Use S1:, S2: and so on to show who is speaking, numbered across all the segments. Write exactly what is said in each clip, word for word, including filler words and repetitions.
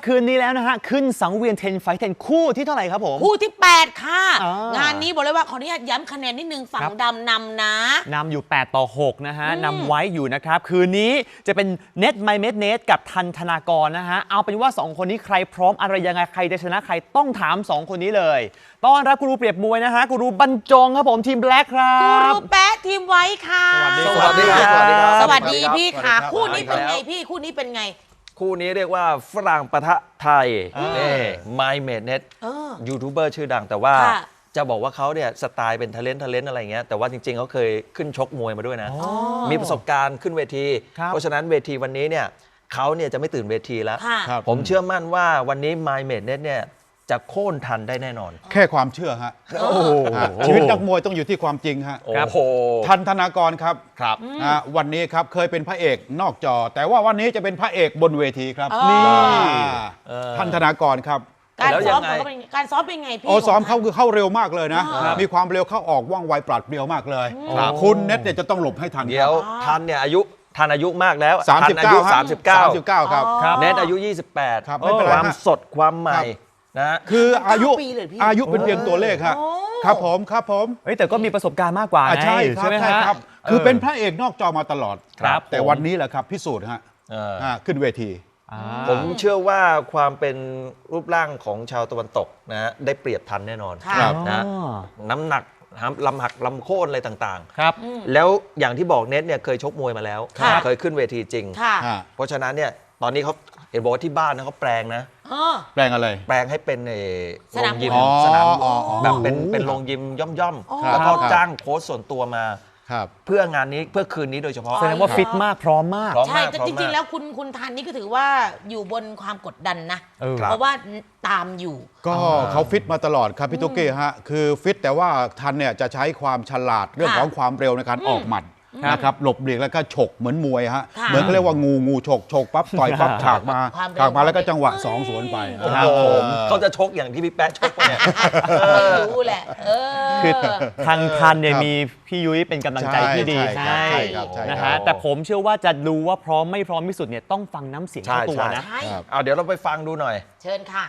S1: คืนนี้แล้วนะฮะขึ้นสังเวียนเทนไฟท์เทนคู่ที่เท่าไหร่ครับผม
S2: คู่ที่แปดค่ะ
S1: ง
S2: งานนี้บอกเลยว่าขออนุญาตย้ำคะแนนนิดนึงฝั่งดำนำนะ
S1: นำอยู่แปดต่อหกนะฮะนำไว้อยู่นะครับคืนนี้จะเป็นเน็ตไมเมดเนตกับทันธนากรนะฮะเอาเป็นว่าสองคนนี้ใครพร้อมอะไรยังไงใครจะชนะใครต้องถามสองคนนี้เลยต้อนรับกูรูเปรียบมวยนะฮะกูรูบรรจงครับผมทีมแบล็คครับ
S2: กูรูแป๊ะทีมไว้ค่ะ
S3: สวัสดีครับสวัสดีครับ
S2: สวัสดีพี่ค่ะคู่นี้เป็นไงพี่คู่นี้เป็นไง
S3: คู่นี้เรียกว่าฝรั่งปะทะไทยนี่ไมเมดเน็ตยูทูบเบอร์ชื่อดังแต่ว่าจะบอกว่าเขาเนี่ยสไตล์เป็นทะเลนทะเลนอะไรเงี้ยแต่ว่าจริงๆเขาเคยขึ้นชกมวยมาด้วยนะมีประสบการณ์ขึ้นเวทีเพราะฉะนั้นเวทีวันนี้เนี่ยเขาเนี่ยจะไม่ตื่นเวทีแล้วผมเชื่อมั่นว่าวันนี้ไมเมดเน็ตเนี่ยจะโค่นทันได้แน่นอน
S4: แค่ความเชื่อฮะชีวิตนักมวยต้องอยู่ที่ความจริงฮะทันธนากรครับ
S3: ครับ
S4: วันนี้ครับเคยเป็นพระเอกนอกจอแต่ว่าวันนี้จะเป็นพระเอกบนเวทีครับ
S2: นี่
S4: ทันธนากรครับ
S2: การซ้อมเขาเป็นการซ้อมเป็นไงพี่
S4: โอ้ซ้อมเขาคือเข้าเร็วมากเลยนะมีความเร็วเข้าออกว่องไวปราดเปรียวมากเลยคุณเน็ตเนี่ยจะต้องหลบให้ทัน
S3: เดี๋ยวทันเนี่ยอายุทันอายุมากแล้ว
S4: สามสิบเก้า
S3: สามสิบเก้า
S4: ครับ
S3: เน็ตอายุยี่สิบแปดความสดความใหม่นะ
S4: คืออายุอายุเป็นเพียงตัวเลขครับครับผมครับผม
S1: เฮ้ยแต่ก็มีประสบการณ์มากกว่า
S4: ใช่ใช่ไหมครับคือเป็นพระเอกนอกจอมาตลอด
S1: ครับ
S4: แต่วันนี้แหละครับพิสูจน์ฮะขึ้นเวที
S3: ผมเชื่อว่าความเป็นรูปร่างของชาวตะวันตกนะได้เปรียบทันแน่นอนนะน้ำหนักลำหักลำโค่นอะไรต่าง
S1: ๆครับ
S3: แล้วอย่างที่บอกเน็ตเนี่ยเคยชกมวยมาแล้วเคยขึ้นเวทีจริงเพราะฉะนั้นเนี่ยตอนนี้เขาเห็นบอกว่าที่บ้านนะเขาแปลงนะ
S4: แปลงอะไร
S3: แปลงให้เป็นโรงยิมสนามแบบเป็นเป็นโรงยิมย่อมๆแล้วก็จ้างโค้ชส่วนตัวมาเพื่องานนี้เพื่อคืนนี้โดยเฉพาะ
S1: แสดงว่าฟิตมากพร้อมมาก
S2: ใช่แต่จริงๆแล้วคุณคุณทันนี่ก็ถือว่าอยู่บนความกดดันนะเพราะว่าตามอยู่
S4: ก็เขาฟิตมาตลอดครับพี่ตุ๊กกี้ฮะคือฟิตแต่ว่าทันเนี่ยจะใช้ความฉลาดเรื่องของความเร็วในการออกหมัดนะครับหลบเลีกแล้วก็ฉกเหมือนมวยฮะเหมือนเขาเรียกว่างูงูฉกฉกปั๊บต่อยปั๊บฉากมาฉากมาแล้วก็จังหวะสองสวนไป
S3: เขาจะชกอย่างที่พี่แป๊ะชกเนี่ย
S2: ไม่รู้แหละ
S1: คือทางทันเนี่ยมีพี่ยุ้ยเป็นกำลังใจที่ดีให้นะฮะแต่ผมเชื่อว่าจะดูว่าพร้อมไม่พร้อมที่สุดเนี่ยต้องฟังน้ำเสียงเจ้าตัวนะ
S3: เอาเดี๋ยวเราไปฟังดูหน่อย
S2: เชิญค่ะ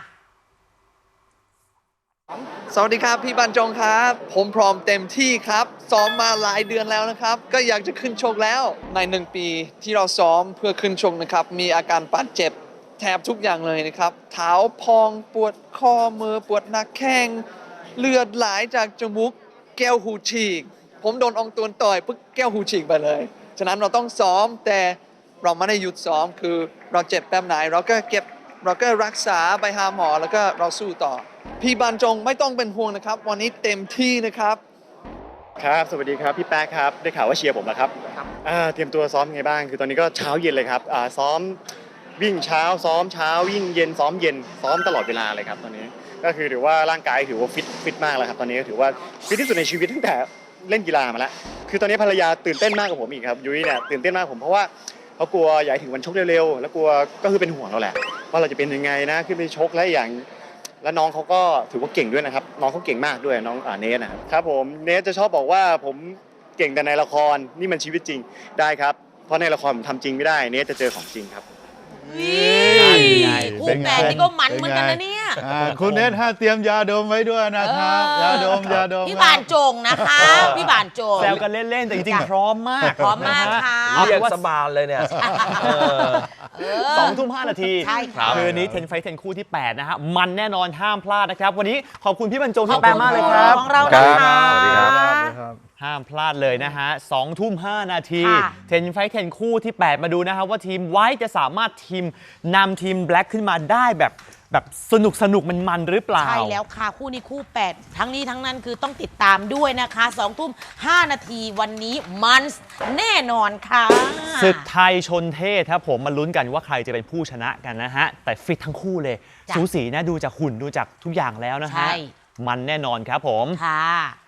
S5: สวัสดีครับพี่บรรจงครับผมพร้อมเต็มที่ครับซ้อมมาหลายเดือนแล้วนะครับก็อยากจะขึ้นชกแล้วในหนึ่งปีที่เราซ้อมเพื่อขึ้นชกนะครับมีอาการบาดเจ็บแทบทุกอย่างเลยนะครับเท้าพองปวดข้อมือปวดหนักแข้งเลือดไหลจากจมูกแก้วหูฉีกผมโดนองตวนต่อยปึ๊กแก้วหูฉีกไปเลยฉะนั้นเราต้องซ้อมแต่เราไม่ได้หยุดซ้อมคือเราเจ็บแบบไหนเราก็เก็บเราก็รักษาไปหาหมอแล้วก็เราสู้ต่อพี่บรรจงไม่ต้องเป็นห่วงนะครับวันนี้เต็มที่นะครับ
S6: ครับสวัสดีครับพี่แป๊กครับได้ข่าวว่าเชียร์ผมแล้วครับเตรียมตัวซ้อมไงบ้างคือตอนนี้ก็เช้าเย็นเลยครับซ้อมวิ่งเช้าซ้อมเช้าวิ่งเย็นซ้อมเย็นซ้อมตลอดเวลาเลยครับตอนนี้ก็คือถือว่าร่างกายถือว่าฟิตฟิตมากแล้วครับตอนนี้ก็ถือว่าฟิตที่สุดในชีวิตตั้งแต่เล่นกีฬามาแล้วคือตอนนี้ภรรยาตื่นเต้นมากกว่าผมอีกครับยุ้ยเนี่ยตื่นเต้นมากผมเพราะว่าเขากลัวอยากถึงวันชกเร็วๆแล้วกลัวก็คือเป็นห่วงเราแหละว่าเราจะเป็นยังไงนะขึ้นไปชกและอย่างแล้วน้องเขาก็ถือว่าเก่งด้วยนะครับน้องเขาเก่งมากด้วยน้องเนสนะครับครับผมเนสจะชอบบอกว่าผมเก่งแต่ในละครนี่มันชีวิตจริงได้ครับเพราะในละครผมทำจริงไม่ได้เนสจะเจอของจริงครับ
S2: คู่แฝดนี่ก็มันเหมือนกันนะเนี่ย
S4: คุณเนสฮะเตรียมยาดมไว้ด้วยนะครับยาดมยาดม
S2: พี่บานจงนะคะพี่บานจง
S1: แซวกันเล่นๆแต่จริงๆพร้อมมาก
S2: พร้อมมากค่ะ
S3: เรียกสบายเลยเนี่ย
S1: สองทุ่มห้านาทีคืนนี้เทนไฟท์เทนคู่ที่แปดนะฮะมันแน่นอนห้ามพลาดนะครับวันนี้ขอบคุณพี่บรรจงที่แปลมากเลยครับ
S2: ของเรานะคะ
S1: ห้ามพลาดเลยนะฮะสองทุ่มห้านาทีเทนไฟท์เทนคู่ที่แปดมาดูนะครับว่าทีมไว้จะสามารถทีมนำทีมแบล็คขึ้นมาได้แบบแบบสนุกสนุกมันมันหรือเปล่า
S2: ใช่แล้วค่ะคู่นี้คู่แปดทั้งนี้ทั้งนั้นคือต้องติดตามด้วยนะคะสองทุ่มห้านาทีวันนี้มันแน่นอนค่ะ
S1: ศึกไทยชนเทศครับผมมาลุ้นกันว่าใครจะเป็นผู้ชนะกันนะฮะแต่ฟิตทั้งคู่เลยสูสีนะดูจากหุ่นดูจากทุกอย่างแล้วนะฮะมันแน่นอนครับผม
S2: ค่ะ